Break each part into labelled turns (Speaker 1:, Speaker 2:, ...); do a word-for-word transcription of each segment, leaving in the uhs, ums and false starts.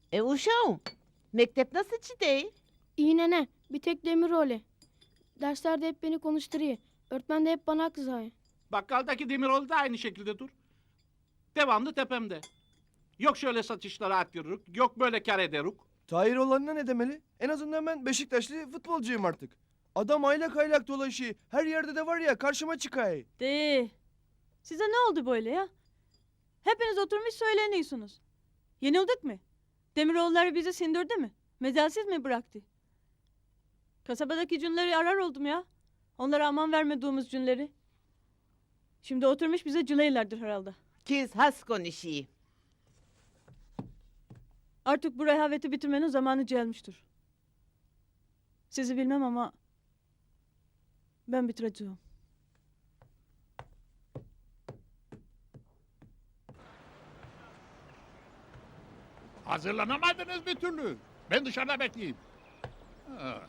Speaker 1: E uşağım, mektep nasıl çiğdey?
Speaker 2: İyi nene. Bir tek demir öyle. Derslerde hep beni konuşturuyor. Öğretmen de hep bana kızıyor.
Speaker 3: Bakkaldaki Demiroğlu da aynı şekilde dur. Devamlı tepemde. Yok şöyle satışlara atıyoruz, yok böyle kar ederiz.
Speaker 4: Tahir olanına ne demeli? En azından ben Beşiktaşlı futbolcuyum artık. Adam aylak aylak dolaşıyor. Her yerde de var ya karşıma çıkay.
Speaker 5: De. Size ne oldu böyle ya? Hepiniz oturmuş söyleniyorsunuz. Yenildik mi? Demiroğulları bizi sindirdi mi? Mezalsiz mi bıraktı? Kasabadaki cünleri arar oldum ya. Onlara aman vermediğimiz cünleri. Şimdi oturmuş bize cüleylerdir herhalde.
Speaker 1: Kiz has konuşuyor.
Speaker 5: Artık bu rehaveti bitirmenin zamanı gelmiştir. Sizi bilmem ama ben bitireceğim.
Speaker 6: Hazırlanamadınız bir türlü. Ben dışarıda bekleyeyim. Ha.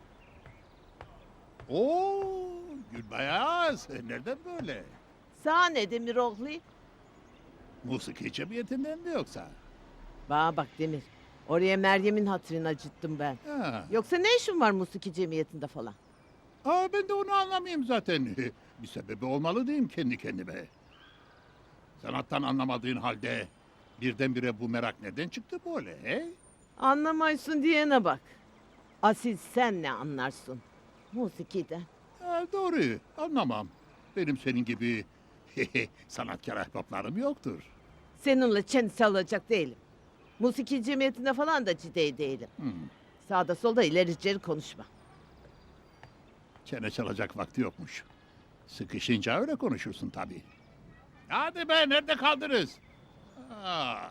Speaker 6: Oo, Gülbayaz. Nereden böyle?
Speaker 1: Sana ne Demiroğlu?
Speaker 6: Musiki cemiyetinden mi yoksa?
Speaker 1: Bana bak Demir. Oraya Meryem'in hatırını acıttım ben.
Speaker 6: Ha.
Speaker 1: Yoksa ne işin var musiki cemiyetinde falan?
Speaker 6: Aa, ben de onu anlamayayım zaten. Bir sebebi olmalı diyeyim kendi kendime. Sanattan anlamadığın halde birdenbire bu merak neden çıktı böyle? He?
Speaker 1: Anlamaysın diyene bak. Asil sen ne anlarsın? Musikiden.
Speaker 6: Ha, doğru, anlamam. Benim senin gibi sanatkar ahbaplarım yoktur.
Speaker 1: Seninle çenesi alacak değilim. Musiki cemiyetinde falan da ciddi değilim.
Speaker 6: Hmm.
Speaker 1: Sağda solda ileri geri konuşma.
Speaker 6: Çene çalacak vakti yokmuş. Sıkışınca öyle konuşursun tabii. Hadi be, nerede kaldınız? Aa.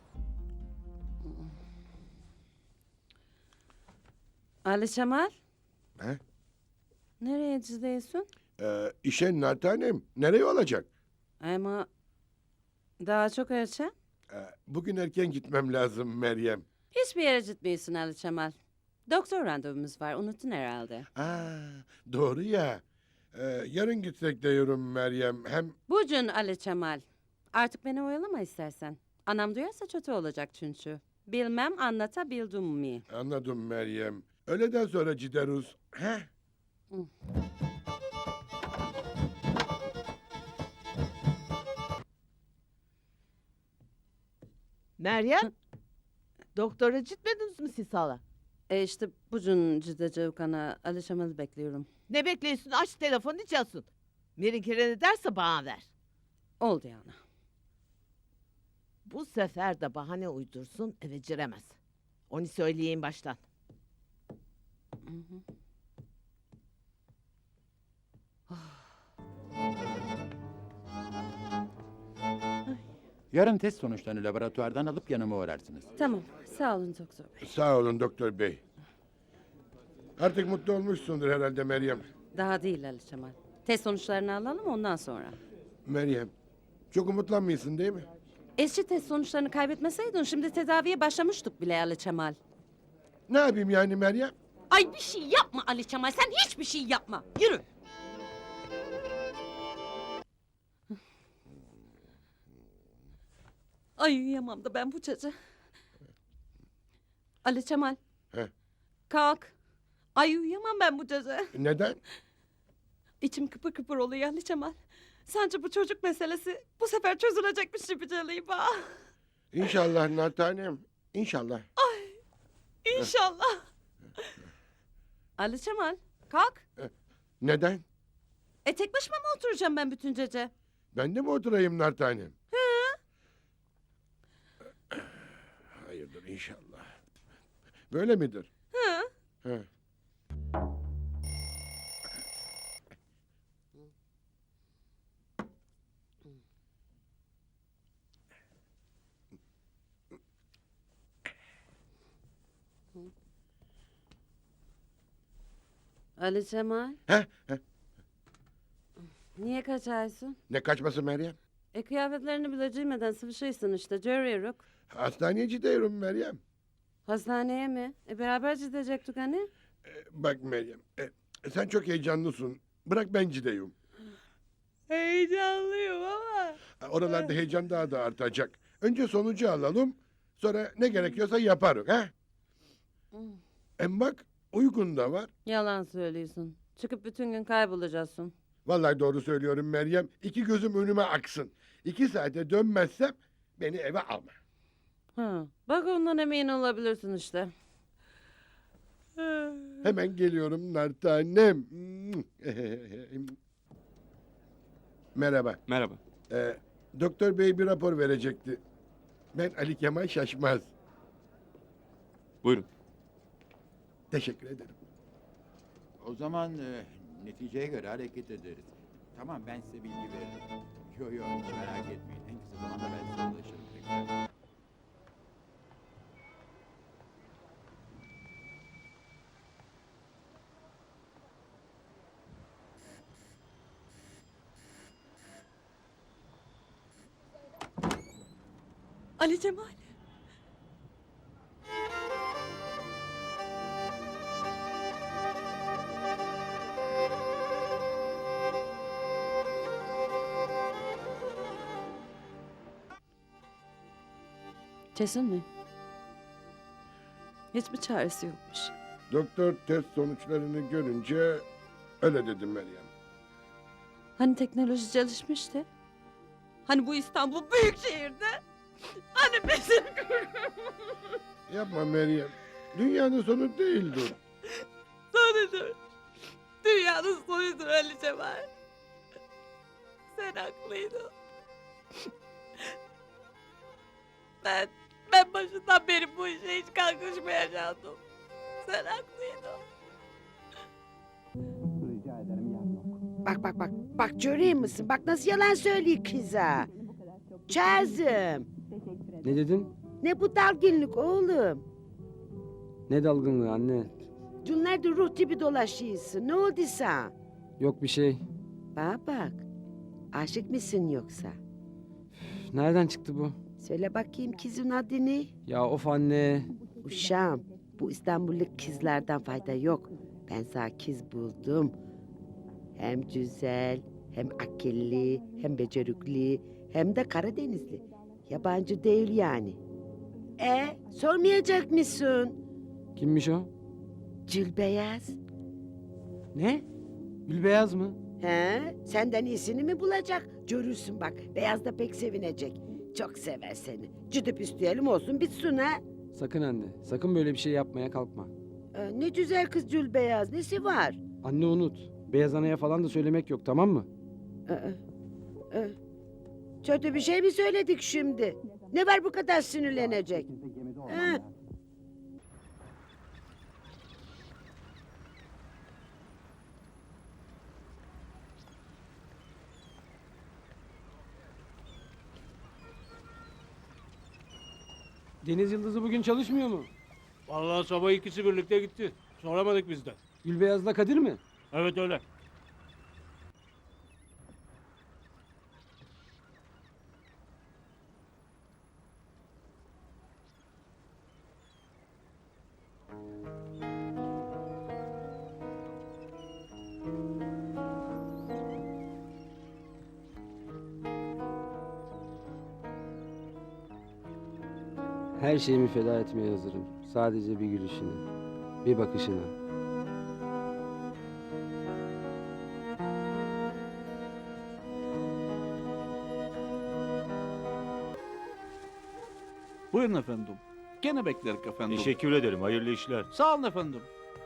Speaker 7: Ali Cemal,
Speaker 8: He?
Speaker 7: nereye gidiyorsun?
Speaker 8: Ee, işe Nartanem. Nereye olacak?
Speaker 7: Ama daha çok erken.
Speaker 8: Ee, bugün erken gitmem lazım Meryem.
Speaker 7: Hiçbir yere gitmiyorsun Ali Cemal. Doktor randevumuz var, unuttun herhalde.
Speaker 8: Aa, doğru ya. Ee, yarın gitsek diyorum Meryem. Hem
Speaker 7: Bugün Ali Cemal. Artık beni oyalama istersen. Anam duyarsa kötü olacak çünkü. Bilmem anlatabildim mi?
Speaker 8: anladım Meryem. Öğleden sonra gideriz. He?
Speaker 1: Meryem, doktora gitmediniz mi siz hala?
Speaker 7: E işte bugün gideceğim kana Ali Cemal'i bekliyorum.
Speaker 1: Ne bekliyorsun? Aç telefonu çalsın. Mirin kere ne derse bana ver.
Speaker 7: Oldu yani.
Speaker 1: Bu sefer de bahane uydursun eve giremez. Onu söyleyeyim baştan.
Speaker 9: Yarın test sonuçlarını laboratuvardan alıp yanıma uğrarsınız.
Speaker 7: Tamam, sağ olun doktor bey.
Speaker 8: Sağ olun doktor bey. Artık mutlu olmuşsundur herhalde Meryem.
Speaker 7: Daha değil Ali Cemal. Test sonuçlarını alalım ondan sonra.
Speaker 8: Meryem, çok umutlanmıyorsun değil mi?
Speaker 7: Eski test sonuçlarını kaybetmeseydin şimdi tedaviye başlamıştık bile Ali Cemal.
Speaker 8: Ne yapayım yani Meryem?
Speaker 7: Ay bir şey yapma Ali Cemal, sen hiçbir şey yapma. Yürü. Ay uyuyamam da ben bu gece. Ali Cemal.
Speaker 8: He.
Speaker 7: Kalk. Ay uyuyamam ben bu gece.
Speaker 8: Neden?
Speaker 7: İçim kıpır kıpır oluyor Ali Cemal. Sence bu çocuk meselesi bu sefer çözülecekmiş gibi geliyor bana.
Speaker 8: İnşallah Nartanem. İnşallah.
Speaker 7: İnşallah. Ali Cemal kalk.
Speaker 8: Neden?
Speaker 7: E tek başıma mı oturacağım ben bütün gece?
Speaker 8: Ben de mi oturayım Nartanem? Hayırdır inşallah. Böyle midir?
Speaker 7: Hı.
Speaker 8: He.
Speaker 7: Ali Cemal.
Speaker 8: He, he.
Speaker 7: Niye kaçarsın?
Speaker 8: Ne kaçması Meryem?
Speaker 7: E kıyafetlerini bile giymeden sıvışıysın işte görüyoruz.
Speaker 8: Hastaneye gidiyorum Meryem.
Speaker 7: Hastaneye mi? E beraber gidecektik hani?
Speaker 8: Ee, bak Meryem, e, sen çok heyecanlısın. Bırak ben gideyim.
Speaker 7: Heyecanlıyım ama.
Speaker 8: Oralarda heyecan daha da artacak. Önce sonucu alalım, Sonra ne gerekiyorsa yaparız ha.
Speaker 7: Hmm.
Speaker 8: Hem bak uygun da var.
Speaker 7: Yalan söylüyorsun. Çıkıp bütün gün kaybolacaksın.
Speaker 8: Vallahi doğru söylüyorum Meryem. İki gözüm önüme aksın. İki saate dönmezsem beni eve alma.
Speaker 7: Ha, bak ondan emin olabilirsin işte.
Speaker 8: Hemen geliyorum nar tanem. Merhaba.
Speaker 10: Merhaba.
Speaker 8: Ee, doktor bey bir rapor verecekti. Ben Ali Kemal Şaşmaz.
Speaker 10: Buyurun.
Speaker 8: Teşekkür ederim.
Speaker 9: O zaman e, neticeye göre hareket ederiz. Tamam, ben size bilgi veririm. Yo yo, hiç merak etmeyin. En kısa zamanda ben size ulaşırım tekrar.
Speaker 5: Ali Cemal.
Speaker 7: Kesin mi? Hiç mi çaresi yokmuş?
Speaker 8: Doktor test sonuçlarını görünce öyle dedim Meryem.
Speaker 7: Hani teknoloji gelişmişti? Hani bu İstanbul büyük şehirde? Hani bizim...
Speaker 8: Yapma Meryem. Dünyanın sonu değildir.
Speaker 7: Sonudur. Dünyanın sonudur Ali Cemal. Sen haklıydın. Ben, ben başından beri bu işe hiç kalkışmayacaktım. Sen haklıydın.
Speaker 1: Bak bak bak. Bak görüyor musun? Bak nasıl yalan söylüyor kıza. Çazım.
Speaker 10: Ne dedin?
Speaker 1: Ne bu dalgınlık oğlum?
Speaker 10: Ne dalgınlığı anne?
Speaker 1: Günlerde ruh gibi dolaşıyorsun. Ne oldu sana?
Speaker 10: Yok bir şey.
Speaker 1: Bana bak. Aşık mısın yoksa?
Speaker 10: Üf, nereden çıktı bu?
Speaker 1: Söyle bakayım kızın adını.
Speaker 10: Ya of anne.
Speaker 1: Uşağım, bu İstanbullu kızlardan fayda yok. Ben sana kız buldum. Hem güzel, hem akıllı, hem becerikli, hem de Karadenizli. Yabancı değil yani. E, sormayacak mısın?
Speaker 10: Kimmiş o?
Speaker 1: Cülbeyaz.
Speaker 10: Ne? Gülbeyaz mı?
Speaker 1: He, senden iyisini mi bulacak? Görürsün bak, Beyaz da pek sevinecek. Çok sever seni. Cüdüp isteyelim olsun bitsin ha.
Speaker 10: Sakın anne. Sakın böyle bir şey yapmaya kalkma.
Speaker 1: E, ne güzel kız Cülbeyaz, nesi var?
Speaker 10: Anne unut. Beyaz anaya falan da söylemek yok, tamam mı?
Speaker 1: Ee, e, Kötü bir şey mi söyledik şimdi? Ne var bu kadar sinirlenecek? Ha?
Speaker 10: Deniz Yıldızı bugün çalışmıyor mu?
Speaker 3: Vallahi sabah ikisi birlikte gitti. Soramadık biz de.
Speaker 10: Gülbeyaz'la Kadir mi?
Speaker 3: Evet öyle.
Speaker 10: Her şeyimi feda etmeye hazırım. Sadece bir gülüşüne, bir bakışına.
Speaker 3: Buyurun efendim. Gene bekleriz efendim.
Speaker 11: Teşekkür ederim. Hayırlı işler.
Speaker 3: Sağ olun efendim.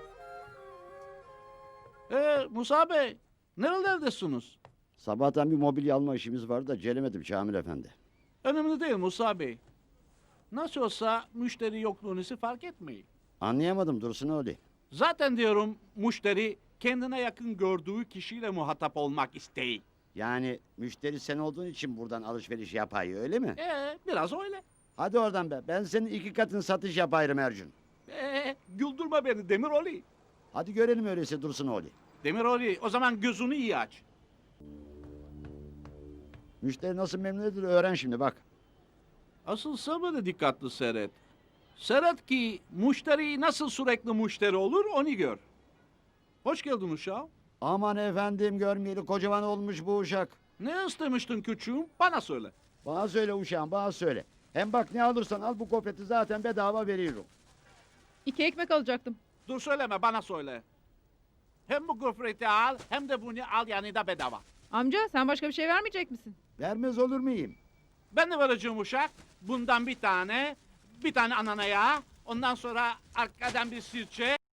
Speaker 3: Ee, Musa Bey, nerelerdesiniz?
Speaker 11: Sabahtan bir mobilya alma işimiz vardı da gelemedim Şamil Efendi.
Speaker 3: Önemli değil Musa Bey. Nasıl olsa müşteri yokluğunuzu fark etmeyin.
Speaker 11: Anlayamadım Dursun öyle.
Speaker 3: Zaten diyorum müşteri kendine yakın gördüğü kişiyle muhatap olmak isteği.
Speaker 11: Yani müşteri sen olduğun için buradan alışveriş yapayım öyle mi?
Speaker 3: Ee, biraz öyle.
Speaker 11: Hadi oradan be. Ben senin iki katın satış yapayım Ercün.
Speaker 3: Ee, güldürme beni Demiroğlu.
Speaker 11: Hadi görelim öyleyse Dursun oğlu.
Speaker 3: Demiroğlu, o zaman gözünü iyi aç.
Speaker 11: Müşteri nasıl memnun edilir öğren şimdi bak.
Speaker 3: Asıl sabırı dikkatli seyret. Seyret ki müşteri nasıl sürekli müşteri olur onu gör. Hoş geldin uşağım.
Speaker 11: Aman efendim görmeyeli kocaman olmuş bu uşak.
Speaker 3: Ne istemiştin küçüğüm? Bana söyle.
Speaker 11: Bana söyle uşağım bana söyle. Hem bak ne alırsan al bu gofreti zaten bedava veriyorum.
Speaker 12: İki ekmek alacaktım.
Speaker 3: Dur söyleme bana söyle. Hem bu gofreti al hem de bunu al yanında bedava.
Speaker 12: Amca sen başka bir şey vermeyecek misin?
Speaker 11: Vermez olur muyum?
Speaker 3: Ben de vereceğim uşak. Bundan bir tane, bir tane ananaya, ondan sonra arkadan bir sirçe.